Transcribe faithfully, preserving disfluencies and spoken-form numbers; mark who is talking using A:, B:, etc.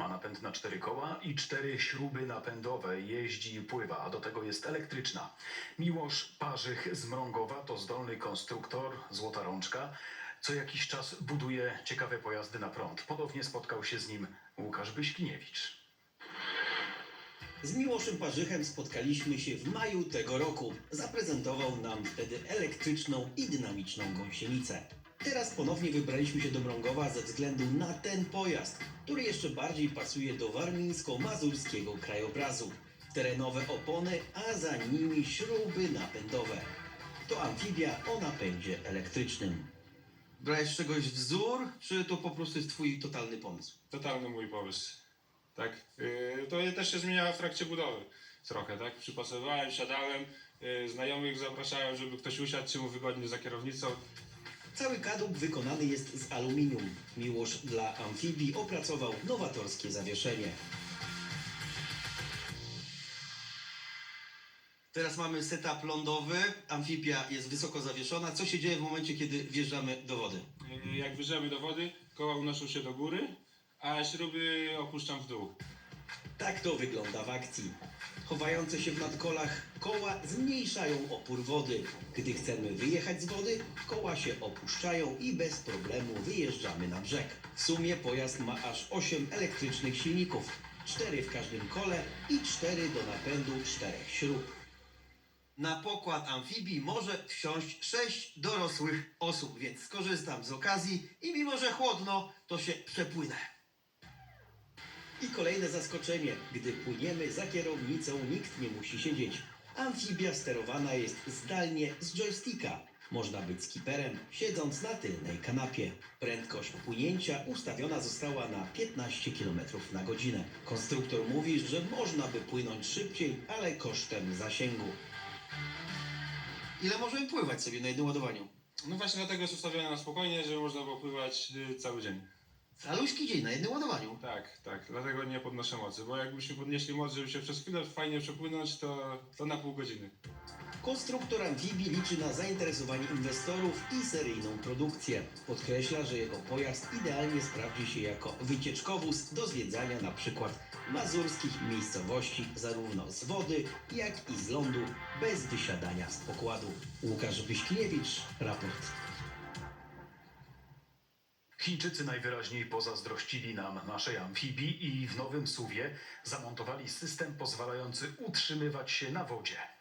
A: Ma napęd na cztery koła i cztery śruby napędowe. Jeździ i pływa, a do tego jest elektryczna. Miłosz Parzych z Mrągowa to zdolny konstruktor, złota rączka. Co jakiś czas buduje ciekawe pojazdy na prąd. Podobnie spotkał się z nim Łukasz Byśkiniewicz.
B: Z Miłoszem Parzychem spotkaliśmy się w maju tego roku. Zaprezentował nam wtedy elektryczną i dynamiczną gąsienicę. Teraz ponownie wybraliśmy się do Mrągowa ze względu na ten pojazd, który jeszcze bardziej pasuje do warmińsko-mazurskiego krajobrazu. Terenowe opony, a za nimi śruby napędowe. To amfibia o napędzie elektrycznym. Brałeś z czegoś wzór, czy to po prostu jest twój totalny pomysł?
C: Totalny mój pomysł. Tak. Yy, to też się zmieniało w trakcie budowy. Trochę, tak? Przypasowałem, siadałem, yy, znajomych zapraszałem, żeby ktoś usiadł się mu wygodnie za kierownicą.
B: Cały kadłub wykonany jest z aluminium. Miłosz dla amfibii opracował nowatorskie zawieszenie. Teraz mamy setup lądowy, amfibia jest wysoko zawieszona. Co się dzieje w momencie, kiedy wjeżdżamy do wody?
C: Yy, jak wyjeżdżamy do wody, koła unoszą się do góry, a śruby opuszczam w dół.
B: Tak to wygląda w akcji. Chowające się w nadkolach koła zmniejszają opór wody. Gdy chcemy wyjechać z wody, koła się opuszczają i bez problemu wyjeżdżamy na brzeg. W sumie pojazd ma aż osiem elektrycznych silników. cztery w każdym kole i cztery do napędu czterech śrub. Na pokład amfibii może wsiąść sześć dorosłych osób, więc skorzystam z okazji i mimo, że chłodno, to się przepłynę. I kolejne zaskoczenie. Gdy płyniemy za kierownicą, nikt nie musi siedzieć. Amfibia sterowana jest zdalnie z joysticka. Można być skiperem, siedząc na tylnej kanapie. Prędkość płynięcia ustawiona została na piętnaście kilometrów na godzinę. Konstruktor mówi, że można by płynąć szybciej, ale kosztem zasięgu. Ile możemy pływać sobie na jednym ładowaniu?
C: No właśnie dlatego jest ustawione na spokojnie, żeby można było pływać yy, cały dzień.
B: Caluśki dzień na jednym ładowaniu.
C: Tak, tak. Dlatego nie podnoszę mocy, bo jakbyśmy podnieśli moc, żeby się przez chwilę fajnie przepłynąć, to, to na pół godziny.
B: Konstruktor amfibii liczy na zainteresowanie inwestorów i seryjną produkcję. Podkreśla, że jego pojazd idealnie sprawdzi się jako wycieczkowóz do zwiedzania na przykład mazurskich miejscowości zarówno z wody, jak i z lądu, bez wysiadania z pokładu. Łukasz Byśkiniewicz, raport.
A: Chińczycy najwyraźniej pozazdrościli nam naszej amfibii i w Nowym Suwie zamontowali system pozwalający utrzymywać się na wodzie.